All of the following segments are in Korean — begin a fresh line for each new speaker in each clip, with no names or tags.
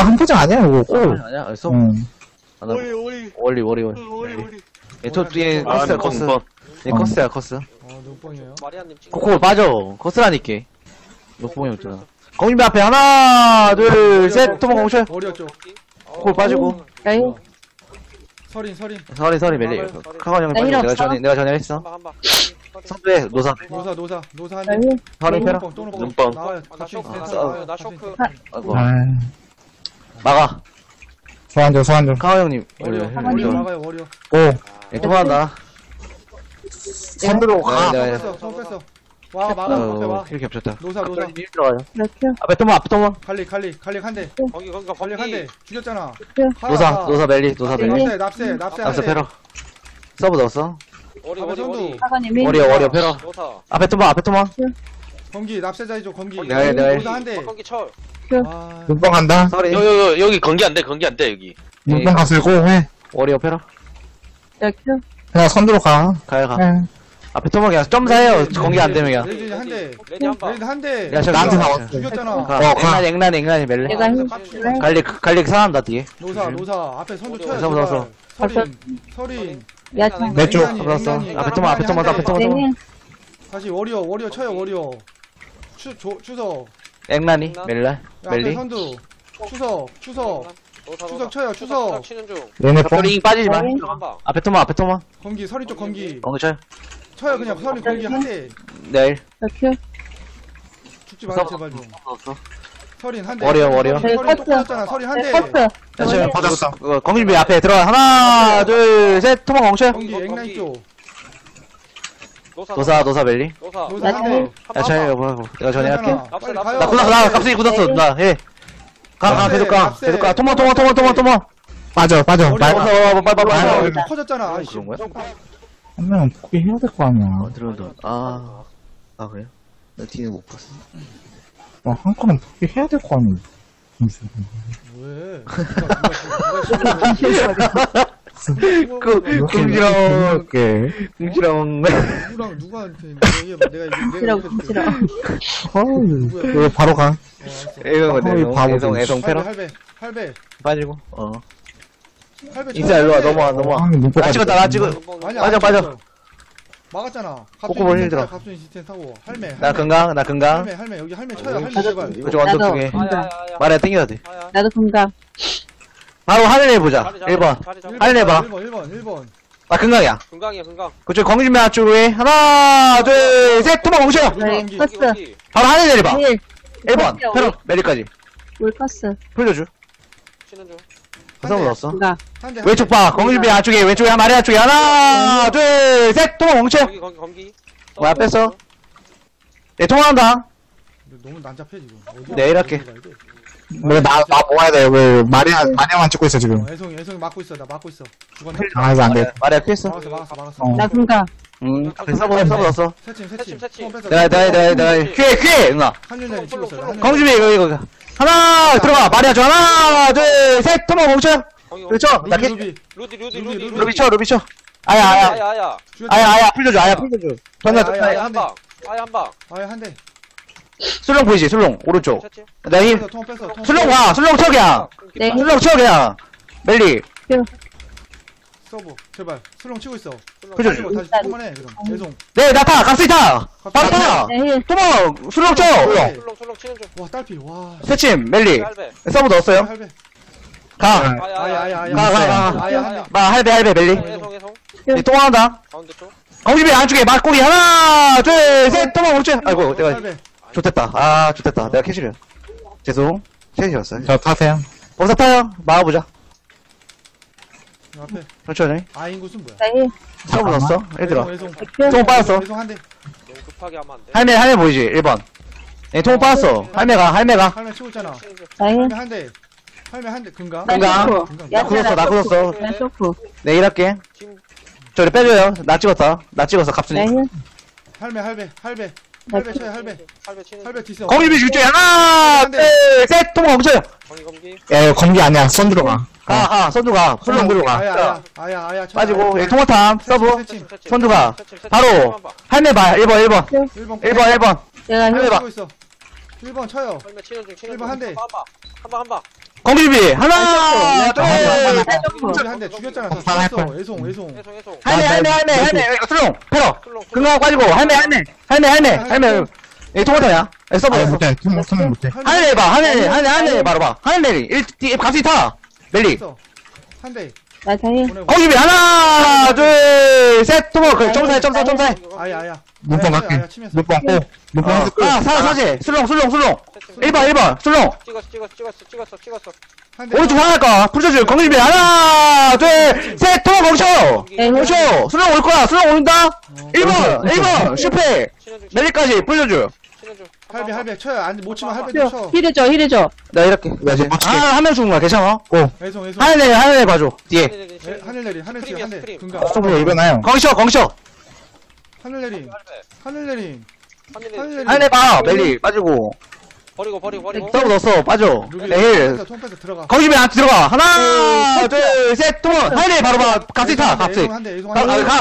한 포장 아니야, 이거. 꼭.
아니야? 알았어?
응.
아, 나
오리.
월리. 저 뒤에
아,
커스야, 커스. 얘 커스야, 커스.
눈뽕이에요.
마리아님 찍.
코코 빠져. 커스라니까. 녹봉이 없잖아. 공인배 앞에 하나, 둘, 셋, 토막 공쳐.
어리였죠.
코코 빠지고.
에이,
서린.
서리 멜리. 카건 형이
나
빠지고.
힐
내가 전화했어.
한방.
선배, 노사.
노사 한 대.
에이,
서리 패러.
눈뽕.
나와요.
나
같이
쇼크.
있어.
나 쇼크.
아이고.
아,
막아.
소환 좀.
카건 형님.
워리어 막아요. 워리어.
오,
예, 통화한다.
선두로 가.
네, 네.
손 뺐어. 와 막아. 앞에 와.
이렇게 겹쳤다.
노사.
일 들어가요.
이렇게.
앞에 토막.
갈릭 한 대.
거기
갈릭 한 대. 죽였잖아.
노사 멜리.
납세.
앞서 패러. 서브 넣었어.
오리.
사관님이.
워리어 패러.
노사.
앞에 토막.
검기 납세자이죠. 검기.
네.
노사 한 대.
거기 철.
아,
눈뽕 간다.
서리.
여기 건기 안 돼, 여기.
눈뽕 갔을고 해.
워리어 패러.
이렇게.
그냥 선두로 가.
가요.
해.
앞에 토막 그냥 점사해요. 공개 안 되면 그냥.
레디 한 대.
레디 한 방.
레디 한 대.
야, 저기
나한테
가.
나왔어.
죽였잖아.
가. 앵란이 멜리.
내가 힘.
갈릭 사람다 뒤에.
노사 앞에 선두 쳐요.
노사 넣었어.
서린.
야채.
내 쪽.
앵란이,
넣었어.
앵란이.
앞에 토막.
내일.
다시 워리어 쳐요. 워리어. 추석.
앵란이 멜리.
앞에 선두. 추석 쳐요. 추석.
치는 중.
얘네 뽕.
링 빠지지 마.
네.
한 방.
앞에 토막.
검기 서린 쪽 검기.
공개 쳐요.
쳐요 그냥 서린 검기 한 대.
내일.
이렇게.
죽지 마요 제발 좀.
넣었어.
서린 한 대.
워리어.
서린
네,
또
커트.
꺼졌잖아. 서린 한 대.
커트.
야, 지금
받았어.
공준비 앞에 들어가. 하나, 둘, 셋. 토막 공쳐.
검기 앵라인 쪽.
노사 멜리.
노사.
노사 한 대.
야, 잘 여보. 내가 전화할게.
괜찮아.
납세,
빨리
납세.
가요.
나 갑자기 굳었어. 나 해. 가, 계속 가. 토막.
빠져.
머리
말.
와.
빨리.
커졌잖아. 아이씨.
그런 거야?
한 명은 포기해야 될 거 아니야.
들어온다. 그래요? 나 뒤는 못 봤어.
한 건은 포기해야 될 거 아니야.
왜?
궁지렁.
누구랑 누구한테 내가
싫어, 싫어.
왜 바로 가?
이거
어이, 바보들.
애송 패러.
할배.
빠지고.
할배.
인사 일로 와. 넘어와.
눈뽕
나 찍었다.
아니야.
빠져.
막았잖아.
꼬꼬볼 힐 들어.
갑순이 시스템 타고 할매.
나 건강.
할매 여기 할매 쳐요. 할매 제발.
그쪽 언덕
나도.
쪽에.
건강.
말해 땡겨야 돼.
나도 건강.
바로 하늘 해보자. 1번. 할래 해봐.
1번.
나 건강이야.
건강.
그쪽 공준비 쪽에. 하나, 둘, 셋. 토막 뭉쳐.
네, 커스.
바로 하늘 내려봐.
내일.
1번. 패러. 메리까지.
물 커스.
풀려줘.
치는 중.
서브 넣었어.
건강.
왼쪽 봐. 공준비 안쪽에. 왼쪽에 한 마리 안쪽에. 하나, 둘, 셋. 토막 뭉쳐.
거기.
뭐야, 뺐어? 내 통화한다.
너무 난잡해 지금. 어디야?
내일 할게.
어디 가야 돼?
왜 나 모아야 돼? 왜 마리아만 찍고 있어 지금?
애송이 막고 있어. 나 막고 있어. 죽었네.
아 이거 안 돼.
말이야, 피했어.
막았어.
어.
나 건강.
서브 넣었어.
새침.
새침.
내가, 퀴! 누나.
한윤이 찍었어.
공준비, 이거. 하나, 들어가. 마리아 줘. 하나, 둘, 셋. 토막 뭉쳐. 그렇죠? 나 캐,
루디.
루비 쳐. 아야. 풀려줘. 전화,
아야,
한 방. 한 방.
아야 한 대.
술렁 보이지? 술렁. 오른쪽.
새침.
나 힘.
통 뺐어.
술렁 와. 술렁 쳐, 그냥.
네.
술렁 쳐, 그냥. 멜리.
서브. 제발. 술렁 치고 있어.
그죠?
다시 통만해. 그럼. 애송.
네, 나 타. 갑자기 타. 바로 타.
내일.
토막. 술렁 쳐.
술렁 치는 중.
와 딸피. 와.
새침, 멜리.
할배.
서브 넣었어요.
할배.
가.
아야.
가.
아야.
마, 할배, 멜리.
애송.
네, 통화한다.
가운데 쪽.
공집이 안쪽에 막고기 하나, 둘, 셋, 토막 뭉쳐. 아이고, 내가.
할배.
좋됐다. 좋됐다. 내가 캐시려. 죄송. 캐시였어요.
저 타세요.
거기서 타요. 막아보자.
앞에.
천천히.
아인구슨 뭐야?
내일.
서브 넣었어. 얘들아.
애송.
통 빠졌어.
애송 한 대.
너무 급하게 하면 안 돼.
할매 보이지? 1번. 네, 통 빠졌어. 할매가.
할매 치고 있잖아.
치는 중.
내일.
할매 한 대. 할매 한 대. 금가.
건강. 나 굳었어.
나 쇼프.
내 일할게. 저리 빼줘요. 나 찍었다. 갑순이.
내일.
할배 쳐요. 할배
할배 치는 중.
할배 디스.
공집이 줄게. 하나, 둘, 셋, 토막 뭉쳐요.
검기.
야 검기 아니야. 손 들어가.
가. 선두가. 풀렁 들어가.
아야.
빠지고. 여기 통화탐. 서브.
새침.
선두가. 바로. 할매 봐. 1번.
1번.
내가
할매
힘.
봐.
치고 있어. 1번 쳐요.
할배 치는 중.
일번 한 대.
한 방.
공기비 하나 둘
공짜리 한대 죽였잖아. 다
폭탄 할
죽였어.
거야.
애송.
해송
할매 슬롱 패러
술롱
금강 빠지고 할매 이 토마토야 서버
아, 못해. 팀 못해.
하늘 봐 하늘 바로 봐 하늘 내리 1 갑자기 타 멜리
한대.
나 다해.
보내고.
공기비 하나 둘셋 토마 그 점사해
아야.
눈뽕 갈게. 눈뽕 고. 눈뽕 해서 끝.
사지 슬롱 1번 슬롱
찍었어
한대.
오른쪽 하나일까 풀쳐줄 공기비 하나 둘셋 토마 멈춰 멈춰 슬롱 올 거야 슬롱 온다 1번 슈페 멜리까지 풀려줘
할배 쳐요. 못 치면 할배
힐,
쳐.
힐해줘.
나 이렇게
좀 맞출게.
한 명 죽은 거야 괜찮아
애송.
하늘 봐줘 뒤에
하늘 내리. 하늘 치고 한대.
스크림.
금강.
서브로 일어나요.
광셔
하늘 내림. 하늘 내림.
하늘 봐 멜리 빠지고
버리고
서브 넣었어 빠져 내일
통패스 들어가.
거기 왜 안 들어가 하나 둘셋 또 하늘 바로 봐 갑자기 타 갑자기
한대. 애송
가
한대.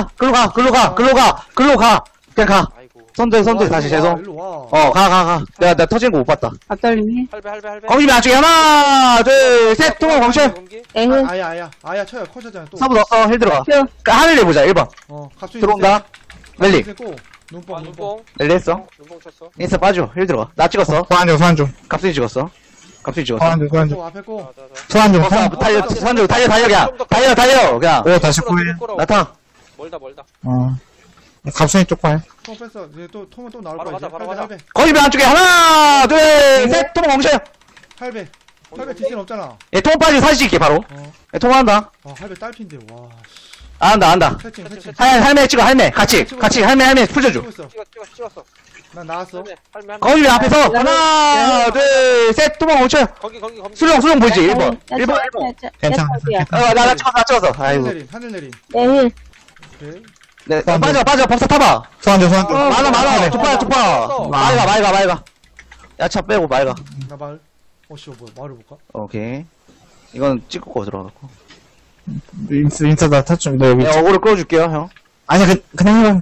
글로 가 그냥 가
아이고
선들 다시 죄송
일로 와.
가 내가 터진 거 못 봤다
앞돌림이.
할배
거기 왜 안쪽에 하나 둘셋 또 광셔
에휴.
아야 쳐요. 커졌잖아 또.
서브 넣었어 힐 들어가
큐.
하늘 내보자 1번
갑자기
들어온다 멜리
눈뽕.
눈뽕
멜리 했어
눈뽕 쳤어
인스타 빠져 힐 들어가 나 찍었어
소환 좀.
갑순이 찍었어
소환 좀.
앞에 고.
소환 좀.
달려 그냥 달려 그냥
오, 다시 구해.
나타
멀다
갑순이 쪽 봐요.
통 뺐어. 이제 또 통은 또 나올
바로
거야.
가자, 바로 가자.
거기 왜 안쪽에 하나 둘셋 통 멈춰요
할배 뒷선 없잖아.
얘통 빠지고 사진 찍게 바로 얘 통화한다
할배 딸핀데. 와.
안다
채팅.
할매 찍어 할매 같이 할매 풀져줘
찍었어
난 나왔어.
할매
거기 왜 앞에서 하나 둘셋 통화 멈춰요
거기
수령 보이지 1번
괜찮아.
나 찍었어 아이고
하늘 내림.
내 힐.
오케이.
네 빠져 법사 타봐
소환 좀.
많아 두파 말가 야차 빼고 말가
나 말. 뭐야 말을 볼까?
오케이 이건 찍고 들어가고
인스다 타좀. 너 여기.
야 어그로 끌어줄게요 형
아니야, 그냥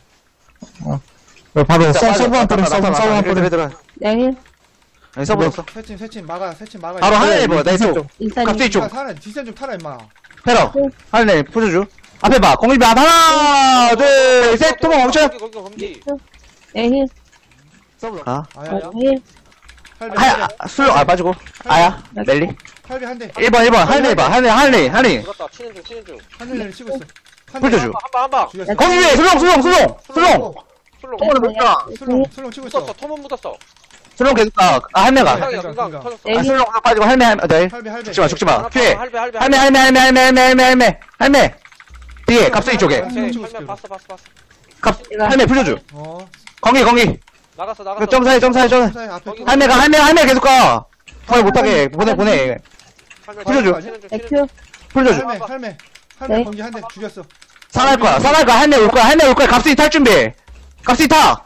바로 서브한 뿌려. 서브한 뿌려.
들어
내 힐.
아니 서브 없어
세침 막아.
바로 하늘 입어 나 있어
인사님.
갑자기 쪽
사람 뒷선 좀 타라 임마.
패러 하늘 풀어줘 앞에 봐 공일비 하나 둘셋 도망 멈춰
거기
내 힐.
아
아야.
내 힐.
할배.
하야 술로 빠지고 아야 멜리
할배 한대.
1번 하늘 봐 하늘
죽었다 치는 중
하늘 내림 치고 있어.
풀어줘
한방
죽였어.
거기 위에 술롱
술롱
술롱 치고 있어.
묻었어 토문 묻었어
술롱 계속 가 할매가
금강 터졌어
내 힐.
술롱 빠지고 할매 네
할배.
죽지마 피해
할배
할매 뒤에 갑자기 쪽에
할매 봤어
할매 풀어줘 공기
나갔어
그 점사해
앞에
할매 계속 가 거의 못하게 보내 풀어줘.
에큐.
풀어줘
할매
네.
번기 한대 죽였어.
살할 거야 할매 올 거야 갑자기 탈 준비 갑자기 타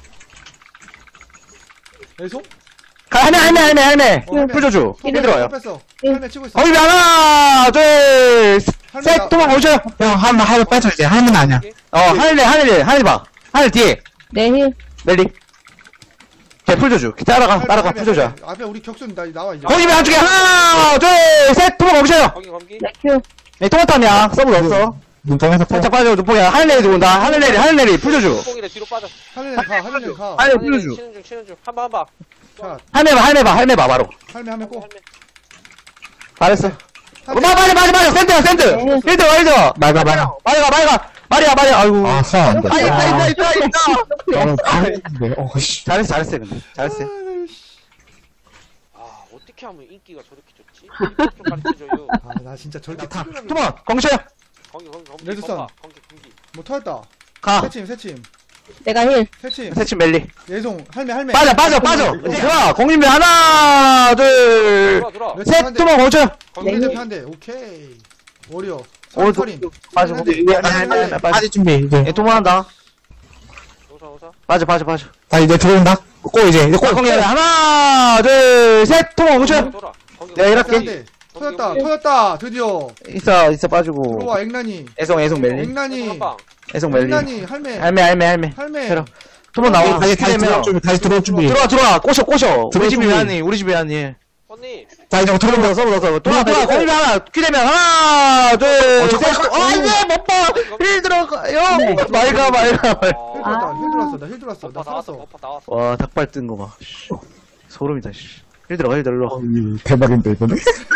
애송?
할매 풀어줘 힐 들어와요
뺐어. 할매 치고 있어.
거기 하나 둘셋 도망 오셔요
형, 하늘 빠져, 이제. 하늘은 아니야.
하늘 봐 하늘 뒤에
내 힐.
멜리 걔 풀줘줘 따라가 풀줘줘
앞에 우리 격순 나와 이제.
거기 왜 안쪽에 하나 둘셋 도망 오셔요
거기
에큐.
네 토마토냐 서브 없어
눈뽕에서
살짝 빠져 눈뽕이야 하늘 내리 들어온다 하늘 내리 풀줘줘
눈뽕이래 뒤로 빠져
하늘 내림 가.
하늘 풀줘줘
치는 중 한방
자,
할매 봐 바로
할매 꼭.
잘했어 맞아 센터 힐드
말가.
말이야 아이고
아, 소환 안 돼.
있다
너무 강했는데. 씨.
잘했어 근데 잘했어
아 어떻게 하면 인기가 저렇게 좋지? 이것 좀 가르쳐줘요
나 진짜 저렇게
토마 공셔요
거기
레드선.
거기
뭐 터졌다.
가
세침.
내가 힐.
세침 멜리
예송 할매.
빠져 이제 좋아 공인배 하나 둘셋
들어와
토마 공셔요
거기 대표 한대. 오케이. 오리오.
오,
서린.
빠지고
빠질 준비, 이제.
얘 도망한다
오사
빠져
다 이제 들어온다. 이제
공이 하나 둘셋 토마 공셔요
돌아 거기
야, 이렇게.
터졌다. 드디어.
있어 빠지고
들어와 앵란이.
애송 멜리
앵란이.
애송 멜리
앵란이 할매.
할매 테러 토마 나와
다시 들어올 준비.
들어와 꼬셔 우리 집이
준비.
아니 우리 집이 아니
언니.
자, 이제 어떻게
서버 서버 서버 돌아 공일배 하나 큐되면 하나 둘셋 안돼 못봐 힐 들어가요
네.
말가
힐
아,
들었다, 힐 들었어, 나 힐 들었어. 나
버퍼 나왔어.
살았어.
버퍼 나왔어.
와 닭발 뜬 거 봐 소름이다 씨 힐 들어가 힐 들어
대박인데, 이거는?